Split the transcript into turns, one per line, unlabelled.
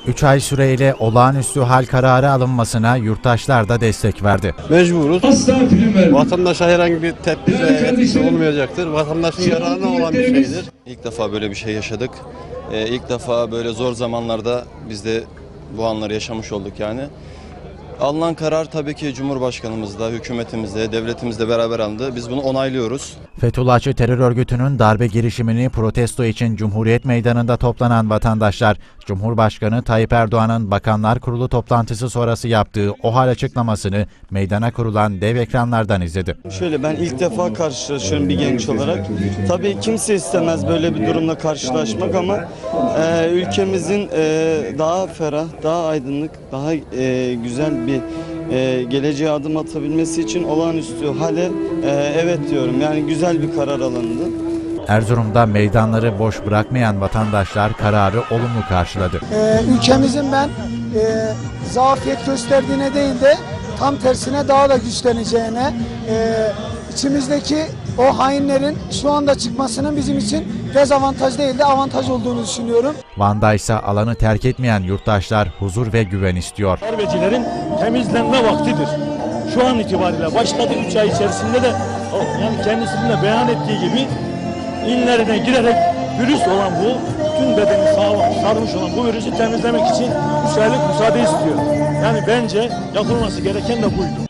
3 ay süreyle olağanüstü hal kararı alınmasına yurttaşlar da destek verdi.
Mecburuz. Vatandaşa herhangi bir tepki ve etkisi olmayacaktır. Vatandaşın yararına olan bir şeydir.
İlk defa böyle bir şey yaşadık. İlk defa böyle zor zamanlarda biz de bu anları yaşamış olduk yani. Alınan karar tabii ki Cumhurbaşkanımızla, hükümetimizle, devletimizle beraber alındı. Biz bunu onaylıyoruz.
Fethullahçı terör örgütünün darbe girişimini protesto için Cumhuriyet Meydanı'nda toplanan vatandaşlar, Cumhurbaşkanı Tayyip Erdoğan'ın Bakanlar Kurulu toplantısı sonrası yaptığı OHAL açıklamasını meydana kurulan dev ekranlardan izledi.
Şöyle, ben ilk defa karşılaşıyorum bir genç olarak. Tabii kimse istemez böyle bir durumla karşılaşmak ama ülkemizin daha ferah, daha aydınlık, daha güzel bir geleceğe adım atabilmesi için olağanüstü hale evet diyorum. Yani güzel bir karar alındı.
Erzurum'da meydanları boş bırakmayan vatandaşlar kararı olumlu karşıladı.
Ülkemizin ben zafiyet gösterdiğine değil de tam tersine daha da güçleneceğine, içimizdeki o hainlerin şu anda çıkmasının bizim için dezavantaj değil de avantaj olduğunu düşünüyorum.
Van'da ise alanı terk etmeyen yurttaşlar huzur ve güven istiyor.
Darbecilerin temizlenme vaktidir. Şu an itibariyle başladı, 3 ay içerisinde de yani kendisinin de beyan ettiği gibi inlerine girerek virüs olan bu, tüm bedeni sarmış olan bu virüsü temizlemek için 3 aylık müsaade istiyor. Yani bence yapılması gereken de buydu.